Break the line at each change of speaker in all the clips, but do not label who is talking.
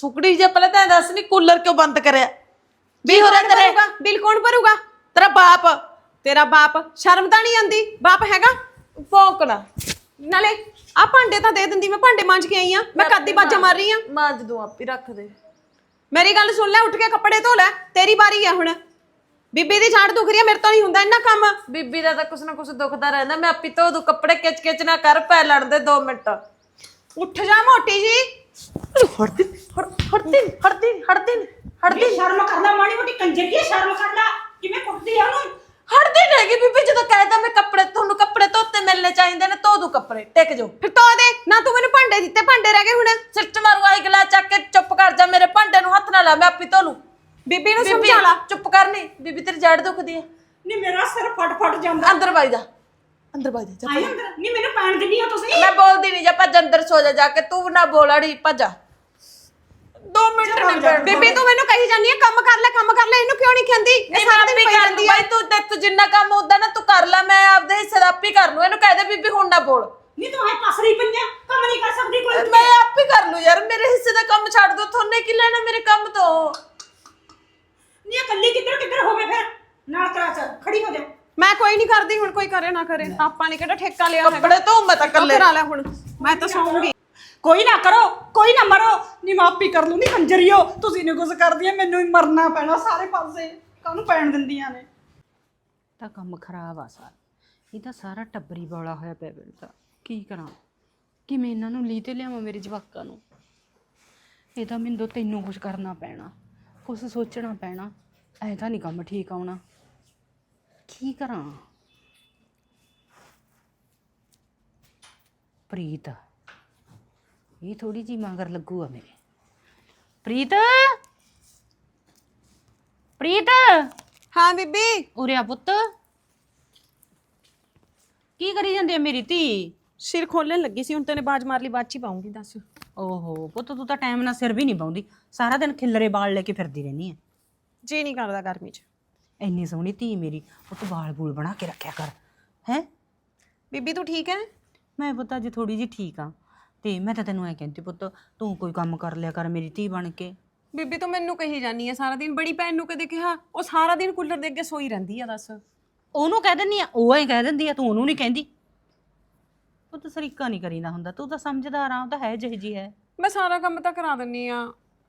ਸੁਕੜੀ ਜੇ ਪਹਿਲਾਂ ਤਾਂ ਦੱਸ ਨੀ ਕੂਲਰ ਕਿਉਂ ਬੰਦ ਕਰਿਆ ਵੀ ਹੋ ਰਿਹਾ ਤੇਰੇ
ਬਿੱਲ ਕੌਣ ਭਰੂਗਾ?
ਤੇਰਾ ਬਾਪ।
ਤੇਰਾ ਬਾਪ। ਸ਼ਰਮ ਤਾਂ ਨਹੀਂ ਆਉਂਦੀ? ਬਾਪ ਹੈਗਾ?
ਭੌਂਕਣਾ
ਨਾਲੇ ਆ ਭਾਂਡੇ ਤਾਂ ਦੇ ਦਿੰਦੀ, ਮੈਂ ਭਾਂਡੇ ਮਾਂਜ ਕੇ ਆਈ ਆ। ਮੈਂ ਕੱਦੀ ਬਾਜਾ ਮਾਰ ਰਹੀ ਆ।
ਮਾਂਜ ਦੂੰ ਆਪੇ ਰੱਖ ਦੇ।
ਮੇਰੀ ਗੱਲ ਸੁਣ ਲੈ, ਉੱਠ ਕੇ ਕੱਪੜੇ ਧੋ ਲੈ, ਤੇਰੀ ਵਾਰੀ ਆ ਹੁਣ। ਬੀਬੀ ਦੀ ਝਾੜ ਦੁਖ ਰਹੀ ਆ, ਮੇਰੇ ਤੋਂ ਨਹੀਂ ਹੁੰਦਾ ਇੰਨਾ ਕੰਮ।
ਬੀਬੀ ਦਾ ਤਾਂ ਕੁਛ ਨਾ ਕੁਛ ਦੁਖਦਾ ਰਹਿੰਦਾ। ਮੈਂ ਆਪੇ ਧੋ ਦੂ ਕੱਪੜੇ, ਕਿਚ ਕਿਚ ਨਾ ਕਰ, ਪੈ ਲੜ ਦੇ 2 ਮਿੰਟ।
ਉੱਠ ਜਾ ਮੋਟੀ ਜੀ।
ਹੜਦੀ
ਸ਼ਰਮ ਕਰ ਲੈ ਮਾੜੀ ਮੋਟੀ ਕੰਜਰੀਏ, ਸ਼ਰਮ ਕਰ ਲੈ। ਕਿਵੇਂ ਕੁੱਟਦੀ ਆ ਉਹਨੂੰ?
ਹੜਦੀ ਨਹੀਂ ਬੀਬੀ, ਜਦੋਂ ਕਹਿਦਾ ਮੈਂ ਕੱਪੜੇ, ਤੁਹਾਨੂੰ ਕੱਪੜੇ ਧੋਤੇ ਮਿਲਨੇ ਚਾਹੀਦੇ ਨੇ, ਧੋ ਦੂ ਕੱਪੜੇ, ਟਿਕ ਜਾਓ।
ਫਿਰ ਧੋ ਦੇ ਨਾ, ਤੂੰ ਮੈਨੂੰ ਭਾਂਡੇ ਦਿੱਤੇ, ਭਾਂਡੇ ਰਹਿ ਗਏ ਹੁਣ।
ਸਿੱਟ ਮਾਰੂ ਆਈ ਗਲਾ ਚੱਕ ਕੇ, ਚੁੱਪ ਕਰ ਜਾ। ਮੇਰੇ ਭਾਂਡੇ ਨੂੰ ਹੱਥ ਨਾ ਲਾ, ਮੈਂ ਆਪੇ ਧੋ ਲੂ।
ਬੀਬੀ ਨੂੰ ਸਮਝਾ ਲਾ।
ਚੁੱਪ ਕਰਨੀ ਬੀਬੀ, ਤੇਰੀ ਜੜ ਦੁਖਦੀ ਹੈ।
ਨੀ ਮੇਰਾ ਸਿਰ ਫਟ ਜਾਂਦਾ।
ਅੰਦਰ ਵਜ ਜਾ, ਅੰਦਰ ਵਜ ਜਾ।
ਆਈ ਅੰਦਰ। ਨੀ ਮੈਨੂੰ ਪੈਣ ਦਿੰਦੀ ਹੋ ਤੁਸੀਂ?
ਮੈਂ ਬੋਲਦੀ ਨਹੀਂ, ਜਾ ਭੱਜ ਅੰਦਰ ਸੋ ਜਾ ਕੇ। ਤੂੰ ਨਾ ਬੋਲ ਅੜੀ, ਭੱਜ 2 ਮਿੰਟ ਨਹੀਂ ਬੈਠ।
ਬੀਬੀ ਤੂੰ ਮੈਨੂੰ ਕਹੀ ਜਾਂਦੀ ਆ ਕੰਮ ਕਰ ਲੈ, ਕੰਮ ਕਰ ਲੈ, ਇਹਨੂੰ ਕਿਉਂ ਨਹੀਂ ਕਹਿੰਦੀ? ਇਹ ਸਾਰਾ ਦਿਨ ਪਈ ਰਹਿੰਦੀ ਆ।
ਬਾਈ ਤੂੰ ਤੇ ਜਿੰਨਾ ਕੰਮ ਹੁੰਦਾ ਨਾ ਤੂੰ ਕਰ ਲੈ, ਮੈਂ ਆਪਦੇ ਹਿੱਸੇ ਦਾ ਆਪੇ ਕਰ ਲੂ। ਇਹਨੂੰ ਕਹਿ ਦੇ ਬੀਬੀ ਹੁਣ ਨਾ ਬੋਲ।
ਨੀ ਤੂੰ ਐ ਪਸਰੀ ਪਈਆਂ, ਕੰਮ ਨਹੀਂ ਕਰ ਸਕਦੀ ਕੋਈ?
ਮੈਂ ਆਪੇ ਕਰ ਲੂ ਯਾਰ, ਮੇਰੇ ਹਿੱਸੇ ਦਾ ਕੰਮ ਛੱਡ ਦੋ। ਤੁਹਾਨੇ ਕੀ ਲੈਣਾ ਮੇਰੇ ਕੰਮ ਤੋਂ?
ਨੀ ਇਕੱਲੀ ਕਿੱਧਰ ਹੋਵੇ ਫਿਰ? ਨਾਲ ਕਰਾ ਚ ਖੜੀ ਹੋ ਜਾ।
ਮੈਂ ਕੋਈ ਨਹੀਂ ਕਰਦੀ ਹੁਣ, ਕੋਈ ਕਰੇ ਨਾ ਕਰੇ। ਆਪਾਂ ਨੇ ਕਿਹੜਾ ਠੇਕਾ ਲਿਆ ਹੈਗਾ?
ਕੱਪੜੇ ਧੋ ਮੈਂ ਤਾਂ ਕੱਲੇ
ਕਰਾ ਲੈ ਹੁਣ, ਮੈਂ ਤਾਂ ਸੌਂਗੀ।
ਕੋਈ ਨਾ ਕਰੋ, ਕੋਈ ਨਾ ਮਰੋ। ਨੀ ਮਾਪੀ ਕਰ ਲੂ। ਨੀ ਕੰਜਰੀਓ, ਤੁਸੀਂ ਨੀ ਕੁਝ ਕਰਦੀਆਂ, ਮੈਨੂੰ ਹੀ ਮਰਨਾ ਪੈਣਾ ਸਾਰੇ ਪਾਸੇ। ਕਾਹਨੂੰ ਪੈਣ ਦਿੰਦੀਆਂ ਨੇ?
ਤਾਂ ਕੰਮ ਖਰਾਬ ਆ ਸਾਰਾ। ਇਹ ਤਾਂ ਸਾਰਾ ਟੱਬਰੀ ਬੌਲਾ ਹੋਇਆ ਪਿਆ ਮੈਨੂੰ ਤਾਂ। ਕੀ ਕਰਾਂ, ਕਿਵੇਂ ਇਹਨਾਂ ਨੂੰ ਲੀ ਤੇ ਲਿਆਵਾਂ ਮੇਰੇ ਜਵਾਕਾਂ ਨੂੰ? ਇਹ ਤਾਂ ਮੈਨੂੰ ਤੈਨੂੰ ਕੁਝ ਕਰਨਾ ਪੈਣਾ, ਕੁਛ ਸੋਚਣਾ ਪੈਣਾ। ਐ ਤਾਂ ਨਹੀਂ ਕੰਮ ਠੀਕ ਆਉਣਾ। ਕੀ ਕਰਾਂ? ਪ੍ਰੀਤ, ਇਹ ਥੋੜੀ ਜੀ ਮਗਰ ਲੱਗੂਗਾ ਮੇਰੇ। ਪ੍ਰੀਤ, ਪ੍ਰੀਤ
ਹਾਂ ਬੀਬੀ।
ਉਰੇ ਆ ਪੁੱਤ। ਕੀ ਕਰੀ ਜਾਂਦੀ ਆ ਮੇਰੀ ਧੀ?
ਸਿਰ ਖੋਲਣ ਲੱਗੀ ਸੀ, ਹੁਣ ਤੈਨੇ ਬਾਜ ਮਾਰ ਲਈ, ਬਾਅਦ ਚ ਹੀ ਪਾਉਂਗੀ। ਦੱਸ।
ਓਹੋ ਪੁੱਤ, ਤੂੰ ਤਾਂ ਟਾਈਮ ਨਾਲ ਸਿਰ ਵੀ ਨਹੀਂ ਪਾਉਂਦੀ, ਸਾਰਾ ਦਿਨ ਖਿੱਲਰੇ ਵਾਲ ਲੈ ਕੇ ਫਿਰਦੀ ਰਹਿੰਦੀ ਐ।
ਜੀ ਨਹੀਂ ਕਰਦਾ ਗਰਮੀ ਚ।
ਇੰਨੀ ਸੋਹਣੀ ਧੀ ਮੇਰੀ, ਪੁੱਤ ਵਾਲ ਬੂਲ ਬਣਾ ਕੇ ਰੱਖਿਆ ਕਰ। ਹੈ
ਬੀਬੀ ਤੂੰ ਠੀਕ ਹੈ?
ਮੈਂ ਪੁੱਤ ਅੱਜ ਥੋੜੀ ਜਿਹੀ ਠੀਕ ਆ। ਤੇ ਮੈਂ ਤਾਂ ਤੈਨੂੰ ਐ ਕਹਿੰਦੀ ਪੁੱਤ, ਤੂੰ ਕੋਈ ਕੰਮ ਕਰ ਲਿਆ ਕਰ ਮੇਰੀ ਧੀ ਬਣ ਕੇ।
ਬੀਬੀ ਤੂੰ ਮੈਨੂੰ ਕਹੀ ਜਾਨੀ ਆ ਸਾਰਾ ਦਿਨ। ਬੜੀ ਭੈਣ ਨੂੰ ਕਦੇ ਕਿਹਾ? ਉਹ ਸਾਰਾ ਦਿਨ ਕੂਲਰ ਦੇ ਅੱਗੇ ਸੋਈ ਰਹਿੰਦੀ ਆ। ਦੱਸ।
ਉਹਨੂੰ ਕਹਿ ਦਿੰਦੀ ਆ, ਉਹ ਐ ਕਹਿ ਦਿੰਦੀ ਆ, ਤੂੰ ਉਹਨੂੰ ਨਹੀਂ ਕਹਿੰਦੀ। ਪੁੱਤ ਸਰੀਕਾ ਨਹੀਂ ਕਰੀਦਾ ਹੁੰਦਾ, ਤੂੰ ਤਾਂ ਸਮਝਦਾਰ ਆ, ਉਹ ਤਾਂ ਹੈ ਜਿਹੀ ਜੀ ਹੈ।
ਮੈਂ ਸਾਰਾ ਕੰਮ ਤਾਂ ਕਰਾ ਦਿੰਨੀ ਆ।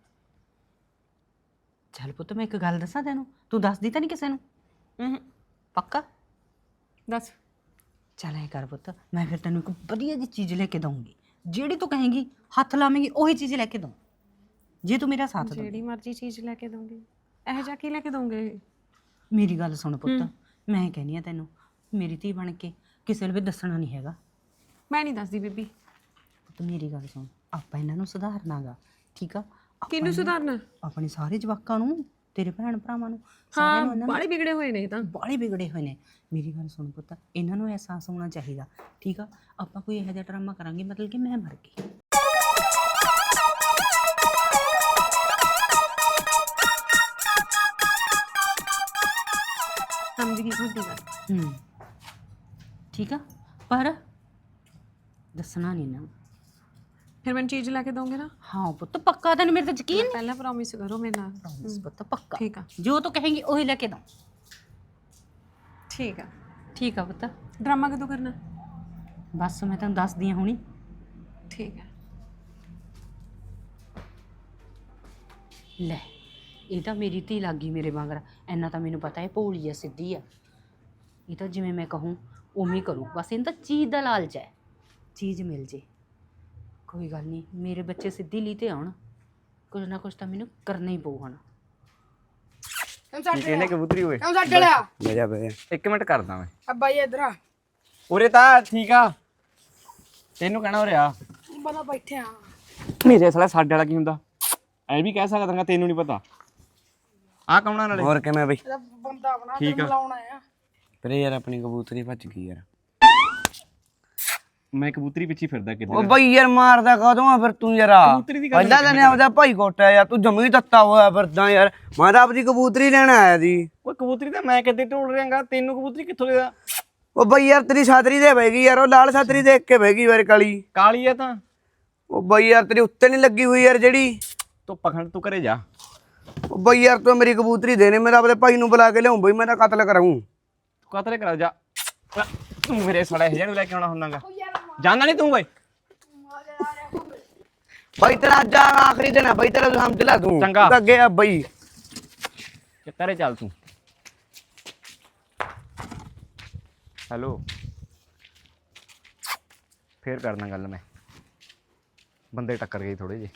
ਚੱਲ ਪੁੱਤ ਮੈਂ ਇੱਕ ਗੱਲ ਦੱਸਾਂ ਤੈਨੂੰ, ਤੂੰ ਦੱਸਦੀ ਤਾਂ ਨਹੀਂ ਕਿਸੇ ਨੂੰ? ਪੱਕਾ?
ਦੱਸ।
ਚੱਲ ਐ ਕਰ ਪੁੱਤ, ਮੈਂ ਫਿਰ ਤੈਨੂੰ ਇੱਕ ਵਧੀਆ ਜਿਹੀ ਚੀਜ਼ ਲੈ ਕੇ ਦਊਂਗੀ। ਜਿਹੜੀ ਤੂੰ ਕਹੇਂਗੀ, ਹੱਥ ਲਾਵੇਂਗੀ, ਉਹੀ ਚੀਜ਼ ਲੈ ਕੇ ਦਊਂ, ਜੇ ਤੂੰ ਮੇਰਾ ਸਾਥ ਦੇ।
ਜਿਹੜੀ ਮਰਜ਼ੀ ਚੀਜ਼ ਲੈ ਕੇ ਦਊਂਗੀ? ਇਹੋ ਜਿਹਾ ਕੀ ਲੈ ਕੇ ਦਊਂਗੇ?
ਮੇਰੀ ਗੱਲ ਸੁਣ ਪੁੱਤ, ਮੈਂ ਕਹਿੰਦੀ ਆ ਤੈਨੂੰ, ਮੇਰੀ ਧੀ ਬਣ ਕੇ ਕਿਸੇ ਨੂੰ ਵੀ ਦੱਸਣਾ ਨਹੀਂ ਹੈਗਾ।
ਮੈਂ ਨਹੀਂ ਦੱਸਦੀ ਬੀਬੀ।
ਪੁੱਤ ਮੇਰੀ ਗੱਲ ਸੁਣ, ਆਪਾਂ ਇਹਨਾਂ ਨੂੰ ਸੁਧਾਰਨਾਗਾ, ਠੀਕ ਆ?
ਕਿਹਨੂੰ ਸੁਧਾਰਨਾ?
ਆਪਣੇ ਸਾਰੇ ਜਵਾਕਾਂ ਨੂੰ, ਤੇਰੇ ਭੈਣ ਭਰਾਵਾਂ ਨੂੰ,
ਹਾਂ ਬਾਲੇ ਵਿਗੜੇ ਹੋਏ ਨੇ ਤਾਂ।
ਬਾਲੇ ਵਿਗੜੇ ਹੋਏ ਨੇ। ਮੇਰੀ ਗੱਲ ਸੁਣ ਪੁੱਤ, ਇਹਨਾਂ ਨੂੰ ਅਹਿਸਾਸ ਹੋਣਾ ਚਾਹੀਦਾ, ਠੀਕ ਆ? ਆਪਾਂ ਕੋਈ ਇਹੋ ਜਿਹਾ ਡਰਾਮਾ ਕਰਾਂਗੇ ਮਤਲਬ ਕਿ ਮੈਂ ਮਰ ਗਈ।
ਸਮਝ ਗਈ ਤੁਹਾਡੀ ਗੱਲ।
ਠੀਕ ਆ, ਪਰ ਦੱਸਣਾ ਨਹੀਂ ਨਾ।
ਫਿਰ ਮੈਨੂੰ ਚੀਜ਼ ਲੈ ਕੇ ਦੋਗੇ ਨਾ?
ਹਾਂ ਪੁੱਤ ਪੱਕਾ, ਤੈਨੂੰ ਮੇਰੇ ਤੇ ਯਕੀਨ?
ਪਹਿਲਾਂ ਪ੍ਰੋਮਿਸ ਕਰੋ ਮੇਰੇ ਨਾਲ।
ਪ੍ਰੋਮਿਸ ਪੁੱਤ ਪੱਕਾ।
ਠੀਕ ਆ।
ਜੋ ਤੂੰ ਕਹੇਂਗੀ ਉਹੀ ਲੈ ਕੇ ਦਊਂ।
ਠੀਕ ਆ।
ਠੀਕ ਆ ਪੁੱਤ।
ਡਰਾਮਾ ਕਦੋਂ ਕਰਨਾ?
ਬਸ ਮੈਂ ਤੈਨੂੰ ਦੱਸਦੀ ਹਾਂ ਹੁਣੀ।
ਠੀਕ ਹੈ।
ਲੈ, ਇਹ ਤਾਂ ਮੇਰੀ ਧੀ ਲੱਗ ਗਈ ਮੇਰੇ ਵਾਂਗਰ। ਇੰਨਾ ਤਾਂ ਮੈਨੂੰ ਪਤਾ ਹੈ, ਭੋਲੀ ਆ, ਸਿੱਧੀ ਆ। ਇਹ ਤਾਂ ਜਿਵੇਂ ਮੈਂ ਕਹੂੰ ਉਵੇਂ ਹੀ ਕਰੂ। ਬਸ ਇਹਨੂੰ ਤਾਂ ਚੀਜ਼ ਦਾ ਲਾਲਚ ਹੈ, ਚੀਜ਼ ਮਿਲ ਜੇ। ਕੋਈ ਗੱਲ ਨਹੀਂ, ਮੇਰੇ ਬੱਚੇ ਸਿੱਧੀ ਲੀ ਤੇ ਆਉਣ, ਕੁਝ ਨਾ ਕੁਝ ਤਾਂ ਮੈਨੂੰ ਕਰਨਾ ਹੀ ਪਊ ਹੁਣ।
ਕਿਹਨੇ ਕਬੂਤਰੀ ਹੋਏ?
ਕਿਉਂ ਛੱਡ ਲਿਆ?
ਬਹਿ ਜਾ 1 ਮਿੰਟ ਕਰਦਾ ਮੈਂ।
ਅੱਬਾ ਜੀ ਇਧਰ ਆ।
ਉਰੇ ਤਾਂ ਠੀਕ ਆ, ਤੈਨੂੰ ਕਹਿਣਾ ਉਰੇ ਆ।
ਬਣਾ ਬੈਠੇ ਆ।
ਮੇਰੇ ਸਾਲਾ ਸਾਡੇ ਵਾਲਾ ਕੀ ਹੁੰਦਾ ਐ ਵੀ ਕਹਿ ਸਕਦਾਗਾ, ਤੈਨੂੰ ਨਹੀਂ ਪਤਾ। ਆ ਕੌਣਾ ਨਾਲੇ? ਹੋਰ ਕਿਵੇਂ ਬਈ?
ਬੰਦਾ ਬਣਾ
ਠੀਕ ਆ।
ਲਾਉਣਾ ਆ।
ਪਰ ਯਾਰ ਆਪਣੀ ਕਬੂਤਰੀ ਭੱਜ ਗਈ ਯਾਰ। ਮੈਂ ਕਬੂਤਰੀ ਪਿੱਛੇ ਫਿਰਦਾ ਕਿੱਧਰ?
ਉਹ ਬਈ ਯਾਰ ਮਾਰਦਾ ਕਦੋਂ ਆ ਫਿਰ ਤੂੰ ਯਾਰ? ਪਹਿਲਾਂ ਤਾਂ ਨੇ ਆਪਦਾ ਭਾਈ ਕੋਟਾ ਯਾਰ, ਤੂੰ ਜੰਮੀ ਦਿੱਤਾ ਹੋਇਆ ਫਿਰਦਾ ਯਾਰ। ਮੈਂ ਤਾਂ ਆਪਦੀ ਕਬੂਤਰੀ ਲੈਣ ਆਇਆ ਸੀ।
ਓਏ ਕਬੂਤਰੀ ਤਾਂ ਮੈਂ ਕਿੱਦੇ ਢੋਲ ਰਿਹਾਂਗਾ, ਤੈਨੂੰ ਕਬੂਤਰੀ ਕਿੱਥੋਂ ਦੇਦਾ?
ਉਹ ਬਈ ਯਾਰ ਤੇਰੀ ਛਾਤਰੀ ਤੇ ਬਹਿ ਗਈ ਯਾਰ, ਉਹ ਲਾਲ ਛਾਤਰੀ ਦੇਖ ਕੇ ਬਹਿ ਗਈ ਯਾਰ ਕਾਲੀ।
ਕਾਲੀ ਆ ਤਾਂ।
ਉਹ ਬਈ ਯਾਰ ਤੇਰੀ ਉੱਤੇ ਨਹੀਂ ਲੱਗੀ ਹੋਈ ਯਾਰ ਜਿਹੜੀ।
ਤੂੰ ਪਖੰਡ ਤੂੰ ਘਰੇ ਜਾ।
ਉਹ ਬਈ ਯਾਰ ਤੂੰ ਮੇਰੀ ਕਬੂਤਰੀ ਦੇਣੇ, ਮੈਂ ਤਾਂ ਆਪਣੇ ਭਾਈ ਨੂੰ ਬੁਲਾ ਕੇ ਲਿਆਉਂ ਬਈ, ਮੈਂ ਤਾਂ ਕਤਲ ਕਰਾਉਂ।
ਕਤਲੇ ਕਰਾ ਜਾ। ਤੂੰ ਮੇਰੇ ਸੜਾ ਇਹ ਨੂੰ ਲੈ ਕੇ ਆਉਣਾ ਹੁੰਦਾਗਾ, ਜਾਣਦਾ ਨਹੀਂ ਤੂੰ ਬਈ।
ਬਈ ਤੇਰਾ ਅੱਜ ਆਖਰੀ ਦਿਨ ਹੈ ਬਈ, ਤੇਰਾ ਸਮਝ ਲੈ ਤੂੰ।
ਚੰਗਾ।
ਤੂੰ ਅੱਗੇ ਆ ਬਈ।
ਘਰੇ ਚੱਲ ਤੂੰ। ਹੈਲੋ, ਫੇਰ ਕਰਨਾ ਗੱਲ, ਮੈਂ ਬੰਦੇ ਟੱਕਰ ਗਏ ਥੋੜੇ ਜਿਹੇ।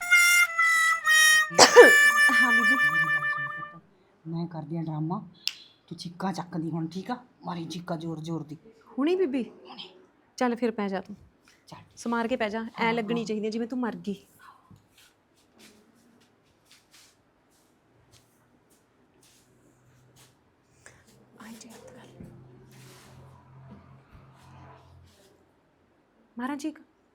ਹਾਂ ਬੀਬੀ।
ਮੈਂ ਕਰਦੀ ਆ ਡਰਾਮਾ, ਤੂੰ ਚੀਕਾਂ ਚੱਕਦੀ ਹੁਣ, ਠੀਕ ਆ? ਮਾਰੀ ਚੀਕਾਂ ਜ਼ੋਰ ਜ਼ੋਰ ਦੀ।
ਹੁਣੀ ਬੀਬੀ? ਚੱਲ ਫਿਰ ਪੈ ਜਾ ਤੂੰ,
ਚੱਲ
ਸਮਾਰ ਕੇ ਪੈ ਜਾ, ਐ ਲੱਗਣੀ ਚਾਹੀਦੀ ਜਿਵੇਂ ਤੂੰ ਮਰ ਗਈ। ਮਾਰਾ ਜੀ।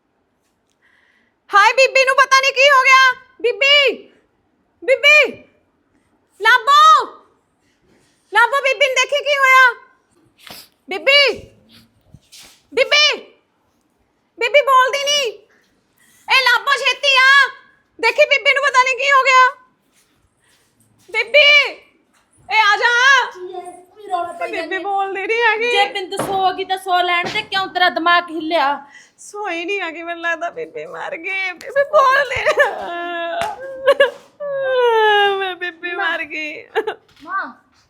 ਹਾਏ ਬੀਬੀ ਨੂੰ ਪਤਾ ਨਹੀਂ ਕੀ ਹੋ ਗਿਆ। ਬੀਬੀ, ਬੀਬੀ ਲਾਬੋ, ਲਾਬੋ ਬੀਬੀ ਨੂੰ ਦੇਖੀ ਕੀ ਹੋਇਆ। ਬੀਬੀ, ਬੀਬੀ, ਬੀਬੀ ਬੋਲਦੀ ਨਹੀਂ। ਇਹ ਲਾਬੋ ਛੇਤੀ ਆ, ਦੇਖੀ ਬੀਬੀ ਨੂੰ ਪਤਾ ਨਹੀਂ ਕੀ ਹੋ ਗਿਆ। ਬੀਬੀ ਇਹ ਆ ਜਾ। ਬੀਬੀ ਬੋਲਦੀ ਨਹੀਂ ਹੈਗੀ।
ਜੇ ਬਿੰਦ ਸੋਗੀ ਤਾਂ ਸੋ ਲੈਣ ਤੇ, ਕਿਉਂ ਤੇਰਾ ਦਿਮਾਗ ਹਿੱਲਿਆ?
ਸੋਈ ਨਹੀਂ ਹੈਗੀ, ਮੈਨੂੰ ਲੱਗਦਾ ਬੀਬੀ ਮਰ ਗਈ। ਬੀਬੀ ਬੋਲ ਨਹੀਂ। ਮੈਂ ਬੀਬੀ ਮਰ ਗਈ।
ਮਾਂ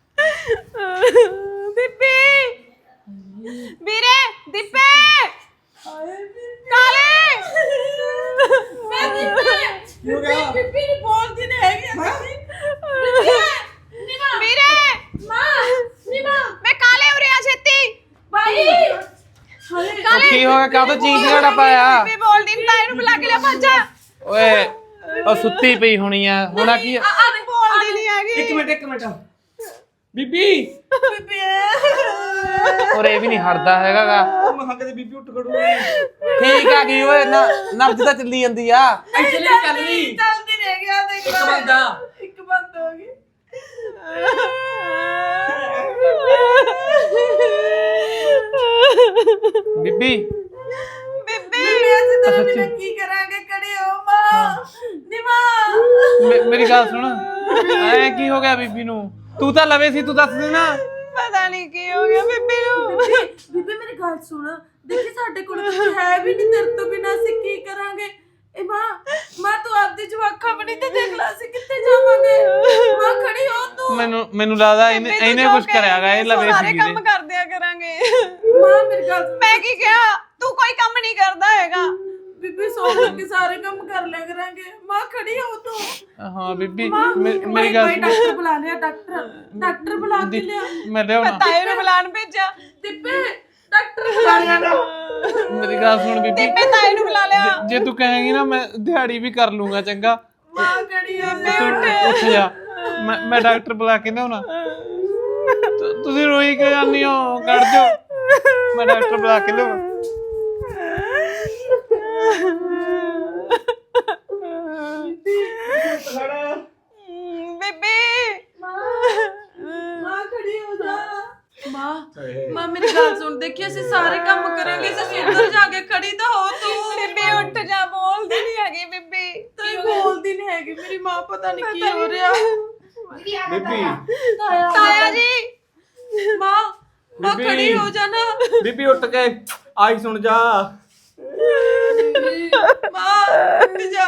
ਬੀਬੀ, ਵੀਰੇ, ਦੀਪੇ, ਕਾਲੇ।
ਬੀਬੀ ਨਹੀਂ ਬੋਲਦੀ ਨਹੀਂ ਹੈਗੀ।
ਵੀਰੇ, ਮੈਂ ਕਾਲੇ ਉਰੇ ਆ ਛੇਤੀ।
ਭਾਈ
ਕੀ ਹੋ ਗਿਆ? ਕਾਹ ਤੋਂ ਚੀਜ਼ ਘੜਾ ਪਾਇਆ?
ਬੀਬੀ ਬੋਲਦੀ ਨਹੀਂ, ਤਾਂ ਇਹਨੂੰ ਬੁਲਾ ਕੇ ਲਿਆ ਭੱਜ।
ਓਏ ਉਹ ਸੁੱਤੀ ਪਈ ਹੋਣੀ ਆ, ਹੁਣ ਕੀ
ਬੋਲਦੀ ਨਹੀਂ ਹੈਗੀ।
ਇੱਕ ਮਿੰਟ ਬੀਬੀ। ਔਰ ਇਹ ਵੀ ਨਹੀਂ ਹਟਦਾ ਹੈਗਾਗਾ।
ਮੈਂ ਕਿਹਾ ਕਦੇ ਬੀਬੀ ਉੱਠ ਖੜੂਗੀ।
ਠੀਕ ਆ ਗਈ ਓਏ, ਨਬਜ ਤਾਂ ਚੱਲੀ ਜਾਂਦੀ ਆ।
ਐਕਚੁਅਲੀ ਚੱਲਦੀ ਰਹਿ ਗਿਆ। ਦੇਖ ਇੱਕ ਬੰਦ ਹੋ ਗਈ।
ਬੀਬੀ
ਬੀਬੀ
ਅਸੀਂ ਤੇਰੇ ਬਿਨਾਂ ਕੀ ਕਰਾਂਗੇ? ਖੜੇ ਹੋ ਮਾਂ, ਨੀ ਮਾਂ।
ਮੇਰੀ ਗੱਲ ਸੁਣ, ਐ ਕੀ ਹੋ ਗਿਆ ਬੀਬੀ ਨੂੰ? ਤੂੰ ਤਾਂ ਲਵੇ ਸੀ, ਤੂੰ ਦੱਸ ਦੇ ਨਾ।
ਪਤਾ ਨਹੀਂ ਕੀ ਹੋ ਗਿਆ ਬੀਬੀ ਨੂੰ।
ਬੀਬੀ ਮੇਰੀ ਗੱਲ ਸੁਣ, ਦੇਖੀ ਸਾਡੇ ਕੋਲ ਕੁਝ ਹੈ ਵੀ ਨਹੀਂ, ਤੇਰੇ ਤੋਂ ਬਿਨਾਂ ਅਸੀਂ ਕੀ ਕਰਾਂਗੇ? ਇਹ ਮਾਂ ਤੂੰ ਆਪਦੀ ਜਵਾਕਾਂ ਬਣੀ ਤੇ ਦੇਖ ਲੈ ਅਸੀਂ ਕਿੱਥੇ ਜਾਵਾਂਗੇ। ਮਾਂ ਖੜੀ ਹੋ ਤੂੰ।
ਮੈਨੂੰ ਲੱਗਦਾ ਇਹਨੇ ਕੁਝ ਕਰਿਆਗਾ, ਇਹ ਲਵੇ
ਸਾਰੇ
ਸੀ
ਕੰਮ ਕਰਦਿਆ ਕਰਾਂਗੇ।
ਮਾਂ ਮੇਰੀ ਗੱਲ ਸੁਣ।
ਮੈਂ ਕੀ ਕਿਹਾ? ਤੂੰ ਕੋਈ ਕੰਮ ਨਹੀਂ ਕਰਦਾ ਹੈਗਾ।
ਬੀਬੀ ਸੌ ਕੇ ਸਾਰੇ ਕੰਮ ਕਰ ਲਿਆ ਕਰਾਂਗੇ। ਮਾਂ ਖੜੀ ਹੋ ਤੂੰ।
ਹਾਂ ਬੀਬੀ,
ਮੇਰੀ
ਮੇਰੀ ਗੱਲ
ਡਾਕਟਰ ਬੁਲਾ ਲਿਆ। ਡਾਕਟਰ ਬੁਲਾ ਕੇ ਲਿਆ।
ਮੈਂ ਲਿਆਉਣਾ।
ਤਾਏ ਨੂੰ ਬੁਲਾਣ ਭੇਜਿਆ।
ਦਿੱਪੇ ਡਾਕਟਰ ਬੁਲਾ ਲਿਆ।
ਮੇਰੀ ਗੱਲ ਸੁਣ ਬੀਬੀ,
ਮੈਂ ਤਾਏ ਨੂੰ ਬੁਲਾ ਲਿਆ।
ਜੇ ਤੂੰ ਕਹੇਂਗੀ ਨਾ ਮੈਂ ਦਿਹਾੜੀ ਵੀ ਕਰ ਲੂੰਗਾ, ਚੰਗਾ?
ਮਾਂ ਖੜੀ ਹੋ।
ਤੂੰ ਉੱਠ ਜਾ, ਮੈਂ ਡਾਕਟਰ ਬੁਲਾ ਕੇ ਲਿਆਉਣਾ। ਤੁਸੀਂ ਰੋਈ ਕਿਉਂ ਜਾਂਦੀ ਹੋ? ਕੱਢ ਜਾਓ, ਮੈਂ ਡਾਕਟਰ ਬੁਲਾ ਕੇ ਲਿਆਉਣਾ।
ਬੀਬੀ
ਮਾਂ ਖੜੀ ਹੋ ਜਾ। ਮਾਂ ਮੇਰੀ ਗੱਲ ਸੁਣ, ਦੇਖੀ ਅਸੀਂ ਸਾਰੇ ਕੰਮ ਕਰਾਂਗੇ। ਅਸੀਂ ਉੱਧਰ ਜਾ ਕੇ ਖੜੀ ਤਾਂ ਹੋ ਤੂੰ।
ਬੀਬੀ ਉੱਠ ਜਾ, ਬੋਲਦੀ ਨਹੀਂ ਹੈਗੀ ਬੀਬੀ।
ਤੂੰ ਬੋਲਦੀ ਨਹੀਂ ਹੈਗੀ। ਮੇਰੀ ਮਾਂ ਪਤਾ ਨਹੀਂ ਕੀ ਹੋ ਰਿਹਾ।
ਬੀਬੀ
ਤਾਇਆ ਜੀ,
ਮਾਂ ਖੜੀ ਹੋ ਜਾ ਨਾ।
ਬੀਬੀ ਉੱਠ ਕੇ ਆਈ ਸੁਣ ਜਾ।
ਮਾਂ ਉੱਠ ਜਾ।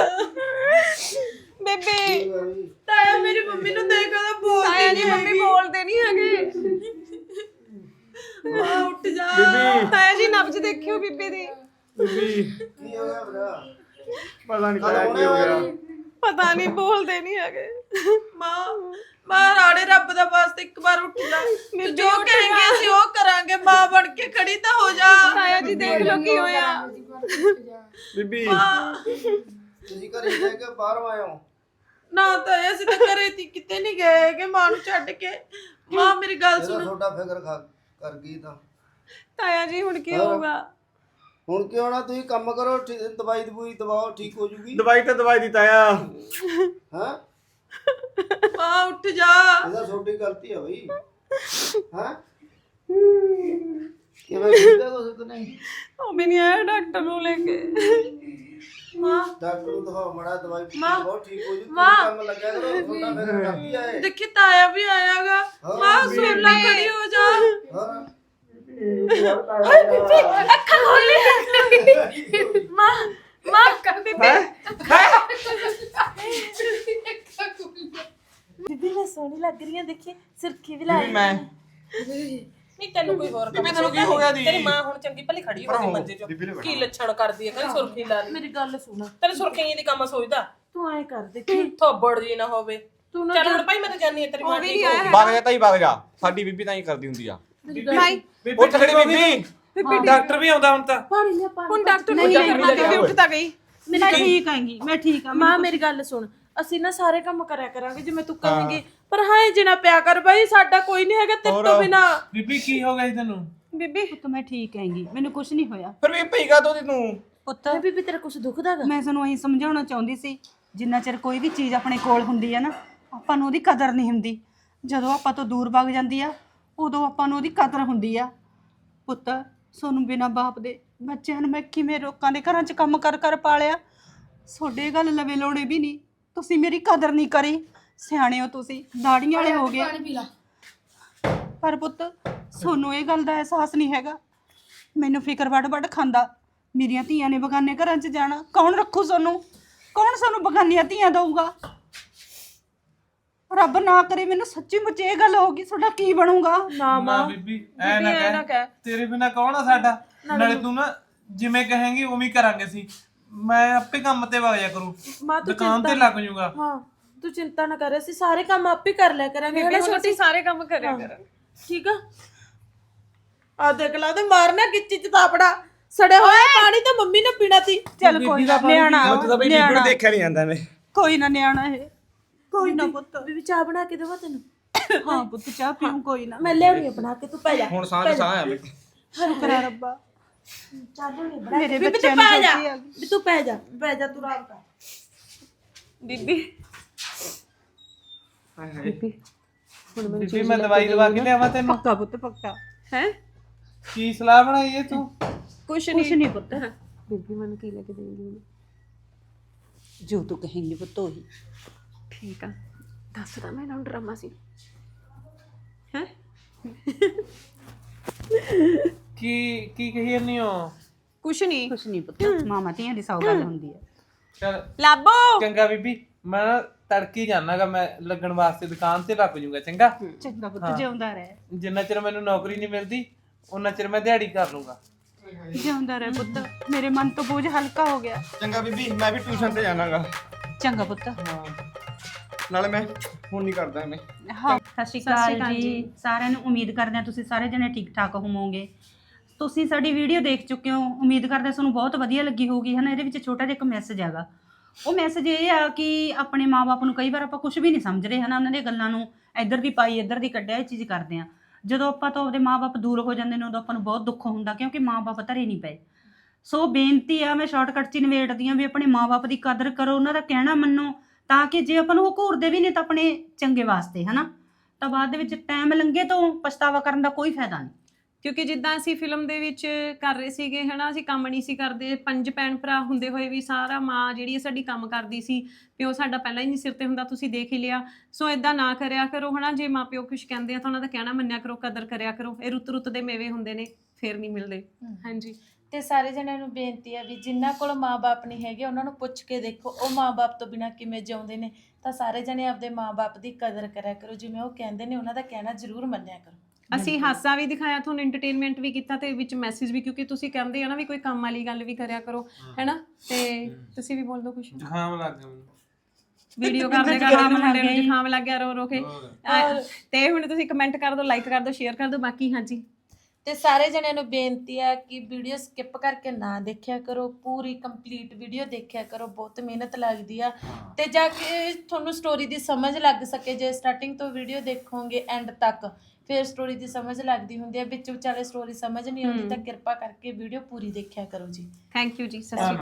ਬੀਬੀ
ਤਾਇਆ ਮੇਰੀ ਮੰਮੀ ਨੂੰ ਦੇਖ ਕੇ ਬੋਲਦੀ
ਤਾਇਆ ਜੀ,
ਨਹੀਂ
ਮੰਮੀ
ਹੈਗੀ।
ਬੋਲਦੇ ਨਹੀਂ ਹੈਗੇ।
ਮਾਂ ਉੱਠ ਜਾ।
ਬੀਬੀ
ਤਾਇਆ ਜੀ ਨਬਜ ਦੇਖਿਓ ਬੀਬੀ ਦੀ।
ਬੀਬੀ
ਕੀ ਹੋ ਗਿਆ ਭਰਾ?
ਪਤਾ ਨਹੀਂ ਕੀ ਹੋ ਗਿਆ।
ਪਤਾ ਨਹੀਂ, ਬੋਲਦੇ ਨਹੀਂ ਹੈਗੇ।
ਮਾਂ ਰਾੜੇ ਰੱਬ ਦਾ ਵਾਸਤੇ ਇੱਕ ਵਾਰ ਉੱਠ ਜਾ। ਤੂੰ ਜੋ ਕਹੇਂਗੇ ਅਸੀਂ ਉਹ ਕਰਾਂਗੇ। ਮਾਂ ਬਣ ਕੇ ਖੜੀ ਤਾਂ ਹੋ ਜਾ।
ਤਾਇਆ ਜੀ ਦੇਖ ਲਓ ਕੀ ਹੋਇਆ।
ਬੀਬੀ
ਤੁਸੀਂ ਘਰੇ ਰਹਿ ਕੇ ਬਾਹਰੋਂ ਆਏ ਹੋ?
ਨਾ ਤਾਂ ਅਸੀਂ ਤਾਂ ਘਰੇ ਤੀ, ਕਿਤੇ ਨਹੀਂ ਗਏ ਹੈਗੇ ਮਾਂ ਨੂੰ ਛੱਡ ਕੇ। ਮਾਂ ਮੇਰੀ ਗੱਲ ਸੁਣ।
ਤੁਹਾਡਾ ਫਿਕਰ ਕਰ ਗਈ ਤਾਂ
ਤਾਇਆ ਜੀ ਹੁਣ ਕੀ ਹੋਊਗਾ?
ਹੁਣ ਕੀ ਹੋਣਾ? ਤੁਸੀਂ ਕੰਮ ਕਰੋ, ਦਵਾਈ ਦਵਾਓ, ਠੀਕ ਹੋ ਜੂਗੀ।
ਦਵਾਈ ਤਾਂ ਦਵਾਈ ਦਿੱਤਾ ਆ।
ਹਾਂ,
ਮਾਂ ਉੱਠ ਜਾ।
ਇਹਦਾ ਛੋਟੀ ਗਲਤੀ ਹੈ ਬਈ। ਹਾਂ, ਕਿਵੇਂ ਕੀਤਾ ਕੁਛ ਨਹੀਂ
ਉਹ ਵੀ ਨਹੀਂ ਆਇਆ ਡਾਕਟਰ ਨੂੰ ਲੈ ਕੇ।
ਮਾਂ
ਡਾਕਟਰ ਨੂੰ ਦਿਖਾਓ ਮੜਾ ਦਵਾਈ
ਮਾਂ,
ਬਹੁਤ ਠੀਕ ਹੋ ਜੂ
ਮਾਂ।
ਕੰਮ ਲੱਗਿਆ ਕਰੋ ਤੁਹਾਡਾ ਫਿਰ ਡਾਕਟਰ ਆਏ
ਦੇਖੀ ਤਾਇਆ ਵੀ ਆਇਆਗਾ। ਮਾਂ ਸੋਲਾ ਖੜੀ ਹੋ ਜਾ।
ਹਾਂ
ਅੱਖਾਂ ਖੋਲ ਲਈ। ਮਾਂ ਬੀਬੀ ਬੀਬੀ ਮੈਂ ਸੋਹਣੀ ਲੱਗ ਰਹੀ ਹਾਂ, ਦੇਖੀ ਸੁਰਖੀ ਵੀ ਲਾਈ
ਮੈਂ
ਨਹੀਂ ਤੈਨੂੰ ਕੋਈ ਹੋਰ
ਬੀਬੀ ਤੈਨੂੰ ਕੀ ਹੋ ਗਿਆ ਦੀ
ਤੇਰੀ ਮਾਂ ਹੁਣ ਚੰਗੀ ਭਲੀ ਖੜੀ ਹੋ ਗਈ ਮੰਜੇ 'ਚ ਕੀ ਲੱਛਣ ਕਰਦੀ ਹੈ ਕਹਿੰਦੀ ਸੁਰਖੀ ਲਾ ਲਈ
ਮੇਰੀ ਗੱਲ ਸੁਣ,
ਤੈਨੂੰ ਸੁਰਖੀ ਦੀ ਕੰਮ ਸੋਚਦਾ
ਤੂੰ ਐ ਕਰ ਦੇਖੀ
ਥੋਬੜ ਜੀ ਨਾ ਹੋਵੇ
ਤੂੰ ਨਾ
ਚੱਲ ਹੁਣ ਭਾਈ ਮੈਂ ਤਾਂ ਜਾਨੀ ਆ ਤੇਰੀ ਮਾਂ ਠੀਕ ਹੋ ਗਈ।
ਵਗ ਜਾ ਤਾਈ ਵਗ ਜਾ, ਸਾਡੀ ਬੀਬੀ ਤਾਂ ਹੀ ਕਰਦੀ ਹੁੰਦੀ ਆ।
ਭਾਈ
ਉੱਠ ਖੜੀ ਬੀਬੀ,
ਡਾਕਟਰ ਵੀ ਆਉਂਦਾ ਹੁਣ ਤਾਂ।
ਪਾਣੀ ਲਿਆ ਪਾਣੀ।
ਹੁਣ ਡਾਕਟਰ ਨੂੰ ਬੀਬੀ ਉੱਠ ਤਾਂ ਗਈ।
ਮੈਂ ਠੀਕ ਆਂਗੀ, ਮੈਂ ਠੀਕ ਆ।
ਮਾਂ ਮੇਰੀ ਗੱਲ ਸੁਣ, ਅਸੀਂ ਨਾ ਸਾਰੇ ਕੰਮ ਕਰਿਆ ਕਰਾਂਗੇ ਜਿਵੇਂ ਤੂੰ ਕਹੇਂਗੀ, ਪਰ ਹਾਂ ਜਿਨਾ ਪਿਆ ਕਰ ਬਾਈ, ਸਾਡਾ ਕੋਈ ਨਹੀਂ ਹੈਗਾ ਤੇਰੇ ਤੋਂ ਬਿਨਾ।
ਬੀਬੀ ਕੀ ਹੋ ਗਿਆ ਜੀ ਤੈਨੂੰ?
ਬੀਬੀ
ਪੁੱਤ ਮੈਂ ਠੀਕ ਆਂਗੀ, ਮੈਨੂੰ ਕੁਝ ਨਹੀਂ ਹੋਇਆ।
ਫਿਰ ਵੀ ਪਈ ਕਾ ਤੂੰ
ਪੁੱਤ
ਬੀਬੀ ਤੇਰਾ ਕੁਝ ਦੁਖਦਾਗਾ?
ਮੈਂ ਤੁਹਾਨੂੰ ਇਹੀ ਸਮਝਾਉਣਾ ਚਾਹੁੰਦੀ ਸੀ, ਜਿੰਨਾ ਚਿਰ ਕੋਈ ਵੀ ਚੀਜ਼ ਆਪਣੇ ਕੋਲ ਹੁੰਦੀ ਆ ਨਾ, ਆਪਾਂ ਨੂੰ ਉਹਦੀ ਕਦਰ ਨਹੀਂ ਹੁੰਦੀ। ਜਦੋਂ ਆਪਾਂ ਤੋਂ ਦੂਰ ਭੱਜ ਜਾਂਦੀ ਆ, ਉਦੋਂ ਆਪਾਂ ਨੂੰ ਉਹਦੀ ਕਦਰ ਹੁੰਦੀ ਆ। ਪੁੱਤ ਸੋਨੂੰ ਬਿਨਾਂ ਬਾਪ ਦੇ ਬੱਚਿਆਂ ਨੂੰ ਮੈਂ ਕਿਵੇਂ ਲੋਕਾਂ ਦੇ ਘਰਾਂ 'ਚ ਕੰਮ ਕਰ ਕਰ ਪਾਲਿਆ। ਤੁਹਾਡੇ ਗੱਲ ਲਵੇ ਲੋੜੇ ਵੀ ਨਹੀਂ, ਤੁਸੀਂ ਮੇਰੀ ਕਦਰ ਨਹੀਂ ਕਰੀ। ਸਿਆਣੇ ਹੋ ਤੁਸੀਂ, ਦਾੜੀਆਂ ਵਾਲੇ ਹੋ ਗਏ। ਪਰ ਪੁੱਤ ਸੋਨੂੰ ਇਹ ਗੱਲ ਦਾ ਅਹਿਸਾਸ ਨਹੀਂ ਹੈਗਾ। ਮੈਨੂੰ ਫਿਕਰ ਵੱਡ ਖਾਂਦਾ, ਮੇਰੀਆਂ ਧੀਆਂ ਨੇ ਬਗਾਨੇ ਘਰਾਂ 'ਚ ਜਾਣਾ, ਕੌਣ ਰੱਖੂ ਸੋਨੂੰ? ਕੌਣ ਸਾਨੂੰ ਬਗਾਨੀਆਂ ਧੀਆਂ ਦਊਗਾ? ਰੱਬ ਨਾ ਕਰੇ ਮੈਨੂੰ ਸੱਚੀ ਮੁੱਚੀ ਇਹ ਗੱਲ ਹੋਗੀ, ਤੁਹਾਡਾ ਕੀ ਬਣੂਗਾ?
ਨਾ ਬੀਬੀ ਐ ਨਾ ਕਹਿ, ਤੇਰੇ ਬਿਨਾ ਕੌਣ ਆ ਸਾਡਾ? ਨਾਲੇ ਤੂੰ ਨਾ ਜਿਵੇਂ ਕਹੇਂਗੀ ਉਵੇਂ ਹੀ ਕਰਾਂਗੇ ਸੀ। ਮੈਂ ਆਪੇ ਕੰਮ ਤੇ ਵਗ ਜਾ ਕਰੂ,
ਮਾਂ ਤੂੰ
ਦੁਕਾਨ ਤੇ ਲੱਗ ਜਾਊਗਾ।
ਹਾਂ ਤੂੰ ਚਿੰਤਾ ਨਾ ਕਰ, ਅਸੀਂ ਸਾਰੇ ਕੰਮ ਆਪੇ ਕਰ ਲਿਆ ਕਰਾਂਗੇ।
ਬੀਬੀ ਹੁਣ ਅਸੀਂ ਸਾਰੇ ਕੰਮ ਕਰਿਆ ਕਰਾਂਗੇ।
ਠੀਕ ਆ ਦੇਖ ਲਾ ਤੇ ਮਾਰਨਾ ਗਿੱਚੀ ਚ ਤਾਪੜਾ ਸੜਿਆ ਹੋਇਆ ਪਾਣੀ ਤਾਂ ਮੰਮੀ ਨੇ ਪੀਣਾ ਸੀ।
ਚੱਲ ਕੋਈ ਨਾ, ਨਿਆਣਾ ਨਿਆਣਾ
ਦੇਖਿਆ ਨਹੀਂ ਜਾਂਦਾ ਮੈਂ।
ਕੋਈ ਨਾ, ਨਿਆਣਾ ਇਹ ਕੋਈ ਨਾ ਪੁੱਤ।
ਬੀਬੀ ਚਾਹ ਬਣਾ ਕੇ ਦੇਵਾਂ ਤੈਨੂੰ?
ਹਾਂ ਪੁੱਤ ਚਾਹ ਪੀਉਂ, ਕੋਈ ਨਾ।
ਮੈਂ ਲਿਆਉਣੀ ਆ ਬਣਾ ਕੇ, ਤੂੰ ਪੈ ਜਾ।
ਹੁਣ ਸਾਹ ਆ ਬਈ।
ਸ਼ੁਕਰ ਆ ਰੱਬਾ,
ਚਾਹ ਲਿਆਉਣੀ ਬਣਾ
ਮੇਰੇ
ਬੀਬੀ
ਬੱਚਿਆਂ
ਤੂੰ
ਨੂੰ
ਪੈ ਜਾ,
ਸੋਚੀ ਆ ਗਈ।
ਵੀ ਤੂੰ ਪੈ ਜਾ ਤੂੰ ਆਰਾਮ ਕਰ।
ਬੀਬੀ
ਬੀਬੀ ਮੈਂ ਦਵਾਈ ਦਵਾ ਕੇ ਲਿਆਵਾਂ ਤੈਨੂੰ?
ਪੱਕਾ ਪੁੱਤ ਪੱਕਾ।
ਹੈ
ਕੀ ਸਲਾਹ ਬਣਾਈ ਏ ਤੂੰ?
ਕੁਛ
ਕੁਛ ਨਹੀਂ ਪੁੱਤ।
ਬੀਬੀ ਮੈਨੂੰ ਕੀ ਲੈ ਕੇ ਦੇਂਗੀ?
ਜੋ ਤੂੰ ਕਹੇਂਗੀ ਪੁੱਤ ਉਹੀ।
ਠੀਕ ਆ, ਦੱਸਦਾ ਮੈਂ ਇਹਨਾਂ ਨੂੰ ਡਰਾਮਾ ਸੀ। ਹੈ
ਕੀ ਕਹੀ ਜਾਂਦੀ ਹੋ?
ਕੁਛ ਨਹੀਂ।
ਕੁਛ ਨਹੀਂ ਪੁੱਤ, ਮਾਮਾ ਧੀਆਂ ਦੀ ਸੌ ਗੱਲ ਹੁੰਦੀ ਹੈ।
ਚਲ
ਲਾਬੋ
ਚੰਗਾ ਬੀਬੀ, ਮੈਂ ਨਾ ਤੜਕੀ ਜਾਣਾਗਾ, ਮੈਂ ਲੱਗਣ ਵਾਸਤੇ ਦੁਕਾਨ ਤੇ ਲੱਗ ਜੂਗਾ। ਚੰਗਾ,
ਚੰਗਾ ਪੁੱਤ, ਜਿਉਂਦਾ ਰਹਿ,
ਜਿੰਨਾ ਚਿਰ ਮੈਨੂੰ ਨੌਕਰੀ ਨਹੀਂ ਮਿਲਦੀ ਉਹਨਾਂ ਚਿਰ ਮੈਂ ਦਿਹਾੜੀ ਕਰ ਲੂੰਗਾ।
ਜਿਉਂਦਾ ਰਹਿ ਪੁੱਤ। ਮੇਰੇ ਮਨ ਤੋਂ ਬੋਝ ਹਲਕਾ ਹੋ ਗਿਆ।
ਚੰਗਾ ਬੀਬੀ, ਮੈਂ ਵੀ ਟਿਊਸ਼ਨ ਤੇ ਜਾਣਾਗਾ।
ਚੰਗਾ ਪੁੱਤ।
ਨਾਲੇ ਮੈਂ ਹੁਣ ਨਹੀਂ ਕਰਦਾ ਮੈਂ।
ਹਾਂ ਸਤਿ ਸ਼੍ਰੀ ਅਕਾਲ ਜੀ ਸਾਰਿਆਂ ਨੂੰ। ਉਮੀਦ ਕਰਦੇ ਹਾਂ ਤੁਸੀਂ ਸਾਰੇ ਜਣੇ ਠੀਕ ਠਾਕ ਹੋਵੋਗੇ। ਤੁਸੀਂ ਸਾਡੀ ਵੀਡੀਓ ਦੇਖ ਚੁੱਕੇ ਹੋ, ਉਮੀਦ ਕਰਦੇ ਤੁਹਾਨੂੰ ਬਹੁਤ ਵਧੀਆ ਲੱਗੀ ਹੋਊਗੀ, ਹੈ ਨਾ। ਇਹਦੇ ਵਿੱਚ ਛੋਟਾ ਜਿਹਾ ਇੱਕ ਮੈਸੇਜ ਹੈਗਾ। ਉਹ ਮੈਸੇਜ ਇਹ ਆ ਕਿ ਆਪਣੇ ਮਾਪੇ ਨੂੰ ਕਈ ਵਾਰ ਆਪਾਂ ਕੁਝ ਵੀ ਨਹੀਂ ਸਮਝਦੇ, ਹੈ ਨਾ। ਉਹਨਾਂ ਦੀਆਂ ਗੱਲਾਂ ਨੂੰ ਇੱਧਰ ਦੀ ਪਾਈ ਇੱਧਰ ਦੀ ਕੱਢਿਆ, ਇਹ ਚੀਜ਼ ਕਰਦੇ ਆ। ਜਦੋਂ ਆਪਾਂ ਤੋਂ ਆਪਦੇ ਮਾਪੇ ਦੂਰ ਹੋ ਜਾਂਦੇ ਨੇ, ਉਦੋਂ ਆਪਾਂ ਨੂੰ ਬਹੁਤ ਦੁੱਖ ਹੁੰਦਾ, ਕਿਉਂਕਿ ਮਾਪੇ ਧਰੇ ਨਹੀਂ ਪਏ। ਸੋ ਬੇਨਤੀ ਆ, ਮੈਂ ਸ਼ਾਰਟਕਟ 'ਚ ਹੀ ਨਿਬੇੜਦੀ ਹਾਂ ਵੀ ਆਪਣੇ ਮਾਪੇ ਦੀ ਕਦਰ ਕਰੋ, ਉਹਨਾਂ ਦਾ ਕਹਿਣਾ ਮੰਨੋ, ਤਾਂ ਕਿ ਜੇ ਆਪਾਂ ਨੂੰ ਉਹ ਘੂਰਦੇ ਵੀ ਨੇ ਤਾਂ ਆਪਣੇ ਚੰਗੇ ਵਾਸਤੇ, ਹੈ ਨਾ। ਤਾਂ ਬਾਅਦ ਦੇ ਵਿੱਚ ਟਾਈਮ ਲੰਘੇ ਤੋਂ ਪਛਤਾਵਾ ਕਰਨ ਦਾ ਕੋਈ ਫਾਇਦਾ ਨਹੀਂ।
ਕਿਉਂਕਿ ਜਿੱਦਾਂ ਅਸੀਂ ਫਿਲਮ ਦੇ ਵਿੱਚ ਕਰ ਰਹੇ ਸੀਗੇ, ਹਨਾ, ਅਸੀਂ ਕੰਮ ਨਹੀਂ ਸੀ ਕਰਦੇ। 5 ਭੈਣ ਭਰਾ ਹੁੰਦੇ ਹੋਏ ਵੀ ਸਾਰਾ ਮਾਂ ਜਿਹੜੀ ਹੈ ਸਾਡੀ ਕੰਮ ਕਰਦੀ ਸੀ, ਪਿਓ ਸਾਡਾ ਪਹਿਲਾਂ ਹੀ ਨਹੀਂ ਸਿਰ ਤੇ ਹੁੰਦਾ, ਤੁਸੀਂ ਦੇਖ ਹੀ ਲਿਆ। ਸੋ ਇਦਾਂ ਨਾ ਕਰਿਆ ਕਰੋ, ਹਨਾ। ਜੇ ਮਾਂ ਪਿਓ ਕੁਝ ਕਹਿੰਦੇ ਆ ਤਾਂ ਉਹਨਾਂ ਦਾ ਕਹਿਣਾ ਮੰਨਿਆ ਕਰੋ, ਕਦਰ ਕਰਿਆ ਕਰੋ। ਇਹ ਰੁੱਤ ਦੇ ਮੇਵੇ ਹੁੰਦੇ ਨੇ, ਫੇਰ ਨਹੀਂ ਮਿਲਦੇ। ਹਾਂਜੀ,
ਤੇ ਸਾਰੇ ਜਣਿਆਂ ਨੂੰ ਬੇਨਤੀ ਆ ਵੀ ਜਿਨ੍ਹਾਂ ਕੋਲ ਮਾਂ-ਬਾਪ ਨਹੀਂ ਹੈਗੇ ਉਹਨਾਂ ਨੂੰ ਪੁੱਛ ਕੇ ਦੇਖੋ ਉਹ ਮਾਂ-ਬਾਪ ਤੋਂ ਬਿਨਾਂ ਕਿਵੇਂ ਜਿਉਂਦੇ ਨੇ। ਤਾਂ ਸਾਰੇ ਜਣੇ ਆਪਦੇ ਮਾਂ-ਬਾਪ ਦੀ ਕਦਰ ਕਰਿਆ ਕਰੋ, ਜਿਵੇਂ ਉਹ ਕਹਿੰਦੇ ਨੇ ਉਹਨਾਂ ਦਾ ਕਹਿਣਾ ਜ਼ਰੂਰ ਮੰਨਿਆ ਕਰੋ।
ਅਸੀਂ ਹਾਸਾ ਵੀ ਦਿਖਾਇਆ ਤੁਹਾਨੂੰ, ਐਂਟਰਟੇਨਮੈਂਟ ਵੀ ਕੀਤਾ ਤੇ ਵਿੱਚ ਮੈਸੇਜ ਵੀ, ਕਿਉਂਕਿ ਤੁਸੀਂ ਕਹਿੰਦੇ ਆ ਨਾ ਵੀ ਕੋਈ ਕੰਮ ਵਾਲੀ ਗੱਲ ਵੀ ਕਰਿਆ ਕਰੋ, ਹੈਨਾ। ਤੇ ਤੁਸੀਂ ਵੀ ਬੋਲ ਦਿਓ ਕੁਝ।
ਜ਼ੁਕਾਮ ਲੱਗ ਗਿਆ ਮੈਨੂੰ।
ਵੀਡੀਓ ਕਰਦੇ ਕਰਦੇ ਮੁੰਡੇ ਨੂੰ ਜ਼ੁਕਾਮ ਲੱਗ ਗਿਆ ਰੋ ਕੇ। ਤੇ ਹੁਣ ਤੁਸੀਂ ਕਮੈਂਟ ਕਰ ਦਿਓ, ਲਾਈਕ ਕਰ ਦਿਓ, ਸ਼ੇਅਰ ਕਰ ਦਿਓ। ਬਾਕੀ ਹਾਂਜੀ,
ਤੇ ਸਾਰੇ ਜਣਿਆਂ ਨੂੰ ਬੇਨਤੀ ਆ ਕਿ ਵੀਡੀਓ ਸਕਿਪ ਕਰਕੇ ਨਾ ਦੇਖਿਆ ਕਰੋ, ਪੂਰੀ ਕੰਪਲੀਟ ਵੀਡੀਓ ਦੇਖਿਆ ਕਰੋ, ਬਹੁਤ ਮਿਹਨਤ ਲੱਗਦੀ ਆ। ਤੇ ਜਾ ਕੇ ਤੁਹਾਨੂੰ ਸਟੋਰੀ ਦੀ ਸਮਝ ਲੱਗ ਸਕੇ, ਜੇ ਸਟਾਰਟਿੰਗ ਤੋਂ ਵੀਡੀਓ ਦੇਖੋਗੇ ਐਂਡ ਤੱਕ, ਫਿਰ ਸਟੋਰੀ ਦੀ ਸਮਝ ਲੱਗਦੀ ਹੁੰਦੀ ਹੈ। ਵਿੱਚ ਵਿਚਾਲੇ ਸਟੋਰੀ ਸਮਝ ਨਹੀਂ ਆਉਂਦੀ ਤਾਂ ਕਿਰਪਾ ਕਰਕੇ ਵੀਡੀਓ ਪੂਰੀ ਦੇਖਿਆ ਕਰੋ ਜੀ।
ਥੈਂਕ ਯੂ ਜੀ, ਸਤਿ ਸ਼੍ਰੀ ਅਕਾਲ।